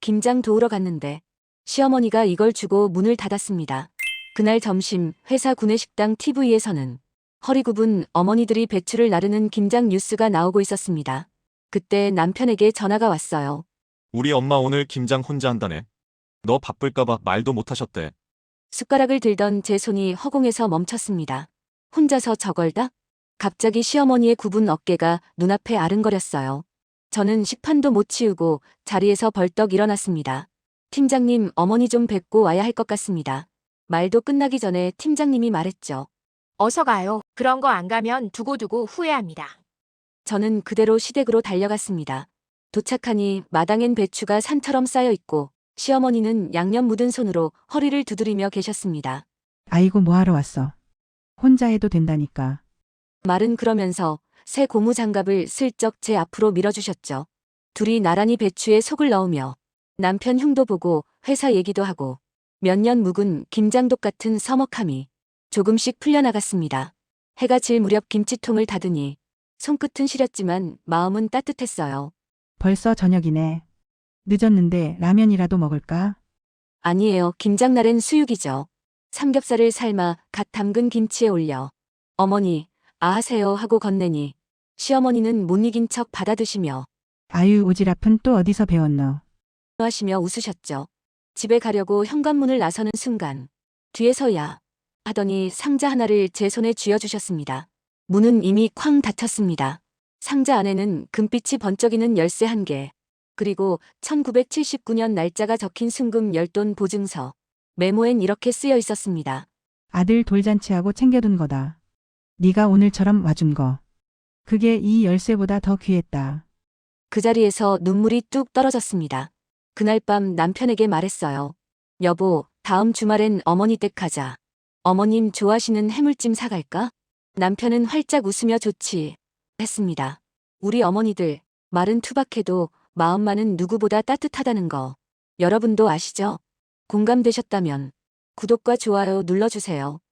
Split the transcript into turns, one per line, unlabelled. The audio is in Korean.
김장 도우러 갔는데 시어머니가 이걸 주고 문을 닫았습니다. 그날 점심 회사 구내식당 TV에서는 허리 굽은 어머니들이 배추를 나르는 김장 뉴스가 나오고 있었습니다. 그때 남편에게 전화가 왔어요.
우리 엄마 오늘 김장 혼자 한다네. 너 바쁠까봐 말도 못하셨대.
숟가락을 들던 제 손이 허공에서 멈췄습니다. 혼자서 저걸다? 갑자기 시어머니의 굽은 어깨가 눈앞에 아른거렸어요. 저는 식판도 못 치우고 자리에서 벌떡 일어났습니다. 팀장님, 어머니 좀 뵙고 와야 할 것 같습니다. 말도 끝나기 전에 팀장님이 말했죠.
어서 가요. 그런 거 안 가면 두고두고 후회합니다.
저는 그대로 시댁으로 달려갔습니다. 도착하니 마당엔 배추가 산처럼 쌓여 있고 시어머니는 양념 묻은 손으로 허리를 두드리며 계셨습니다.
아이고 뭐하러 왔어. 혼자 해도 된다니까.
말은 그러면서 새 고무 장갑을 슬쩍 제 앞으로 밀어주셨죠. 둘이 나란히 배추에 속을 넣으며 남편 흉도 보고 회사 얘기도 하고 몇 년 묵은 김장독 같은 서먹함이 조금씩 풀려나갔습니다. 해가 질 무렵 김치통을 닫으니 손끝은 시렸지만 마음은 따뜻했어요.
벌써 저녁이네. 늦었는데 라면이라도 먹을까?
아니에요. 김장날엔 수육이죠. 삼겹살을 삶아 갓 담근 김치에 올려 어머니, 하세요 하고 건네니 시어머니는 못 이긴 척 받아드시며
아유 오지랖은 또 어디서 배웠노.
하시며 웃으셨죠. 집에 가려고 현관문을 나서는 순간 뒤에서야 하더니 상자 하나를 제 손에 쥐어주셨습니다. 문은 이미 쾅 닫혔습니다. 상자 안에는 금빛이 번쩍이는 열쇠 1개, 그리고 1979년 날짜가 적힌 순금 10돈 보증서. 메모엔 이렇게 쓰여 있었습니다.
아들 돌잔치하고 챙겨둔 거다. 네가 오늘처럼 와준 거. 그게 이 열쇠보다 더 귀했다.
그 자리에서 눈물이 뚝 떨어졌습니다. 그날 밤 남편에게 말했어요. 여보, 다음 주말엔 어머니 댁 가자. 어머님 좋아하시는 해물찜 사갈까? 남편은 활짝 웃으며 좋지 했습니다. 우리 어머니들 말은 투박해도 마음만은 누구보다 따뜻하다는 거 여러분도 아시죠? 공감되셨다면 구독과 좋아요 눌러주세요.